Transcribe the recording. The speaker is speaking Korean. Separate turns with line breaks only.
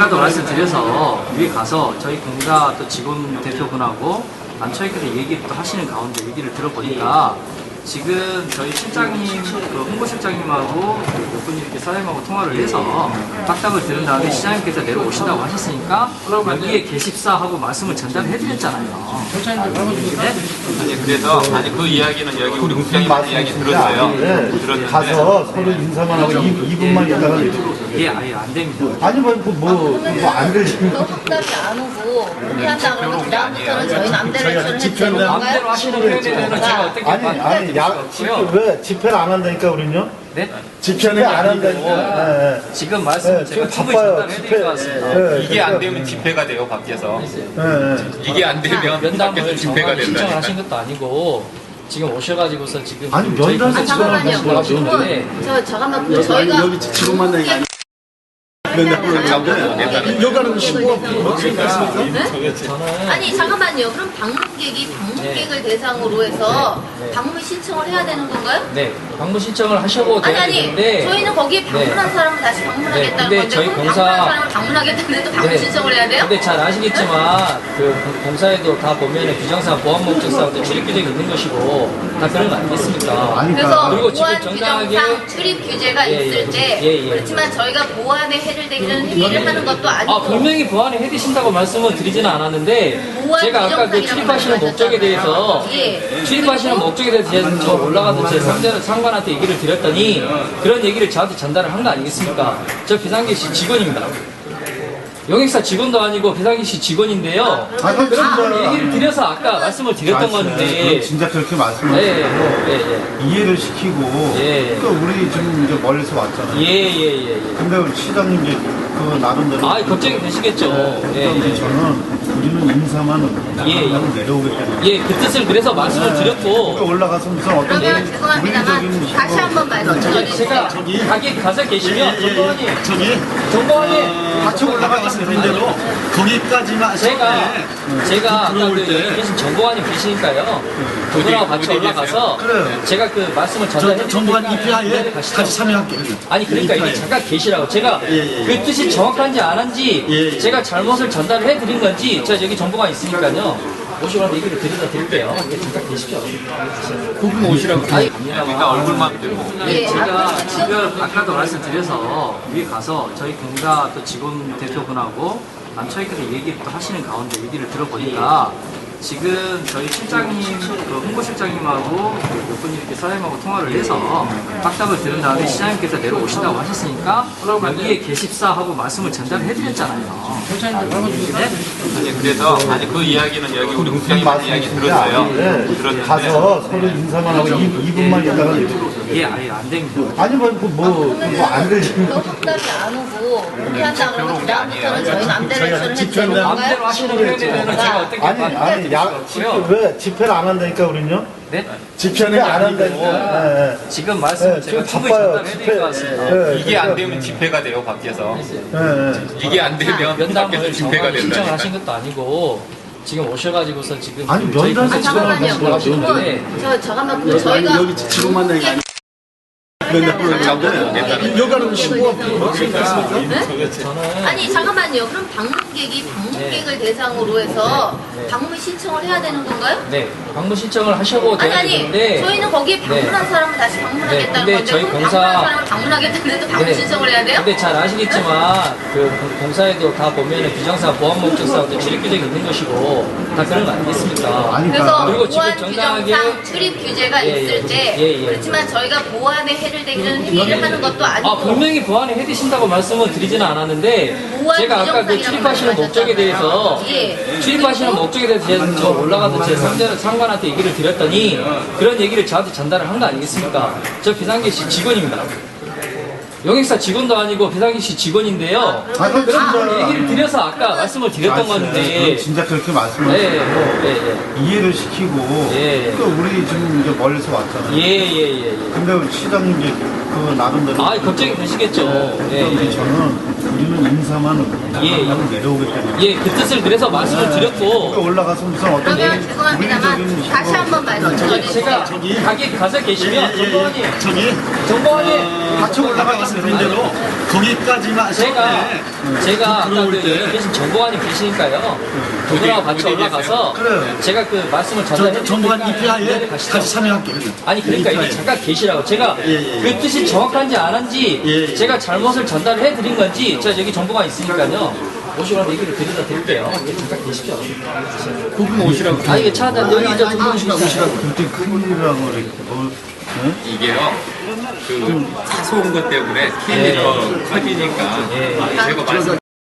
아까도 말씀드려서 위에 가서 저희 공사 또 직원 대표분하고 남처에서 얘기를 또 하시는 가운데 얘기를 들어보니까 지금 저희 실장님, 그 홍보실장님하고 몇 분이 이렇게 사장님하고 통화를 해서 딱딱을 들은 다음에 시장님께서 내려오신다고 하셨으니까 여기에 게시사하고 말씀을 전달해 드렸잖아요. 네?
아니 그래서 그 이야기는 여기 우리 국장님 이야기 들었어요. 들었는데
가서 서로 인사만 하고 2분만 있다가
예, 아예 안 됩니다.
아니 뭐안 들리면
답답이 안 오고 포기한다 그러면 그다음부터는 저희 맘대로 액션을 해도 되는
마음대로
건가요?
하시는 표현에는 제가 어떻게
아니 왜 집회를 안 한다니까 우리는요?
네?
집회는 안 한다니까.
지금 말씀 제가
지금
충분히
바빠요.
전달해 드릴 것 같습니다.
이게 안 되면 집회가 돼요 밖에서. 이게 안 되면 밖에서
면담을
집회가
정말 신청을
된다니까.
하신 것도 아니고 지금 오셔가지고서 지금
아니,
저희
면담
공사
잠깐만요.
직원하고 하시는데
잠깐만 저희가
여기 직원 만나는 게 아니. 여기 가는 신고가
아니 잠깐만요. 그럼 방문객이 방문객을 대상으로 해서 방문 신청을 해야 되는 건가요?
네, 방문 신청을 하셔도 되는데
저희는 거기에 방문한 사람을 다시 방문하겠다는
근데
건데
저희
그럼
공사-
방문한 사람을 방문하겠다는데 또 방문 신청을 해야 돼요?
근데 잘 아시겠지만 그 공사에도 다 보면은 규정상 보안 목적상 또 출입 규정이 있는 것이고 다 그런 거 아니겠습니까?
그래서
그리고 지금
보안
정당하게-
규정상 출입 규제가
예,
있을 때
예.
그렇지만 저희가 보안에 해를 되기는 행위를 하는 것도 아니고
분명히 보안에 해드신다고 말씀을 드리지는 않았는데
보안
제가 아까 그
규정상이라고
출입하시는 목적에 대해서
예.
출입하시는 목적에 대해서 저 올라가서 제 상관한테 얘기를 드렸더니 그런 얘기를 저한테 전달을 한 거 아니겠습니까? 저 비상계시 직원입니다. 영익사 직원도 아니고 비상계시 직원인데요.
그럼
그런 얘기를 드려서 아까 말씀을 드렸던 건데
진짜 그렇게
예,
말씀하시고 이해를 시키고
예.
또 우리 지금 이제 멀리서 왔잖아요.
예.
근데 우리 시장님 이제 그 나름대로
걱정이 되시겠죠.
그런데 저는 우리는 인사만 하고 내려오겠다는
예, 그 뜻을 그래서 말씀을 드렸고
올라가서 무슨 어떤
그러면 죄송합니다만 다시 한번 말씀해 주세요.
제가 가게 가서 계시면 정보원님 정보원님
같이 올라가서 되는 대로 거기까지만
제가 아까 그 여기 계신 정보관님 계시니까요. 그분하고 같이
어디
올라가서
그래요.
제가 그 말씀을 전달해
정부한
드리니까
EPI에 같이 참여할게요.
아니 그러니까 이게 잠깐 계시라고 제가 그 뜻이 정확한지 안 한지 제가 잘못을 전달해 드린 건지 제가 여기 정보가 있으니까요. 오시라고 얘기를 드릴게요. 잠깐 계십시오.
그분 오시라고. 그러니까 얼굴만 들고.
제가 지금 아까도 말씀드려서 위에 가서 저희 공사 또 직원 대표분하고 남처에서 얘기를 또 하시는 가운데 얘기를 들어보니까 지금 저희 실장님, 그 홍보실장님하고 몇 분이 이렇게 사장님하고 통화를 해서 딱딱을 들은 다음에 시장님께서 내려오신다고 하셨으니까 여기에 게시사하고 말씀을 전달해 드렸잖아요. 네?
아니 그래서 그 이야기는 여기 우리 국장님 이야기 들었어요. 들었는데
가서 서로 인사만 하고 2분만 있다가
예, 아예 안 됩니다.
아니 뭐안 들리면
답답이 안 오고 포기한다 그러면 그다음부터는 저희 맘대로 액션을 해도 되는 건가요?
마음대로 하시는 표현에는 제가 어떻게
아니 왜 집회를 안 한다니까 우리는요?
네?
집회는 안 한다니까.
지금 말씀을 제가
지금
충분히
바빠요.
전달해 드릴 것 같습니다.
이게 안 되면 집회가 돼요 밖에서. 이게 안 되면 밖에서
면담을
집회가
정말 신청을
된다니까.
하신 것도 아니고 지금 오셔가지고서 지금
아니,
저희
면담-
공사 직원하고
잠깐만요.
하시는데
잠깐만 저희가
여기 직원 만나는 게 아니. 여기 가는 신고가
아니 잠깐만요. 그럼 방문객이 방문객을 대상으로 해서 방문 신청을 해야 되는 건가요?
네, 방문 신청을 하셔도 되는데
저희는 거기에 방문한 사람을 다시 방문하겠다는
근데
건데
저희
그럼
공사-
방문한 사람을 방문하겠다는데 또 방문 신청을 해야 돼요?
근데 잘 아시겠지만 그 공사에도 다 보면은 규정상 보안 목적상 또 출입 규정이 있는 것이고 다 그런 거 아니겠습니까?
그래서
그리고 지금
보안
정당하게-
규정상 출입 규제가 있을 때 그렇지만 저희가 보안에 해를 되기는 행위를 하는 것도 아니고
분명히 보안에 해드신다고 말씀을 드리지는 않았는데
보안
제가 아까 그
규정상이라고
출입하시는 목적에 대해서 출입하시는 목적에 대해서 저 올라가서 제 상관한테 얘기를 드렸더니 그런 얘기를 저한테 전달을 한 거 아니겠습니까? 저 비상계시 직원입니다. 영익사 직원도 아니고 비상계시 직원인데요. 그런 얘기를 드려서 아까 말씀을 드렸던 건데
진짜 그렇게 말씀하시고 이해를 시키고 또 우리 지금 이제 멀리서 왔잖아요. 근데 우리 시장님 이제 그 나름대로
걱정이 되시겠죠.
그런데 저는 우리는 인사만 하고 내려오겠다는
그 뜻을 그래서 말씀을 드렸고
올라가서 무슨 어떤
그러면 죄송합니다만 다시 한번 말씀해 주세요.
제가 가게 가서 계시면 정보원님
같이 올라가는 대로 거기까지만
제가 아까 계신 정보관이 계시니까요. 그분하고 같이 올라가서
그래요.
제가 그 말씀을 전달해
정부한
드리니까
EPI에 같이 참여할게요.
아니 그러니까 이게 잠깐 계시라고 제가 그 뜻이 정확한지 안 한지 제가 잘못을 전달을 해드린 건지 제가 여기 정보가 있으니까요. 오시라고 얘기를 드리다 드릴게요. 잠깐 계십시오.
그분 오시라고.
아 이게 차 한잔 여기 이제 두 분 오시라고.
그때 큰일이라고 그래.
이게요. 그 사소한 것 때문에 스케일이 더 커지니까 제가 말씀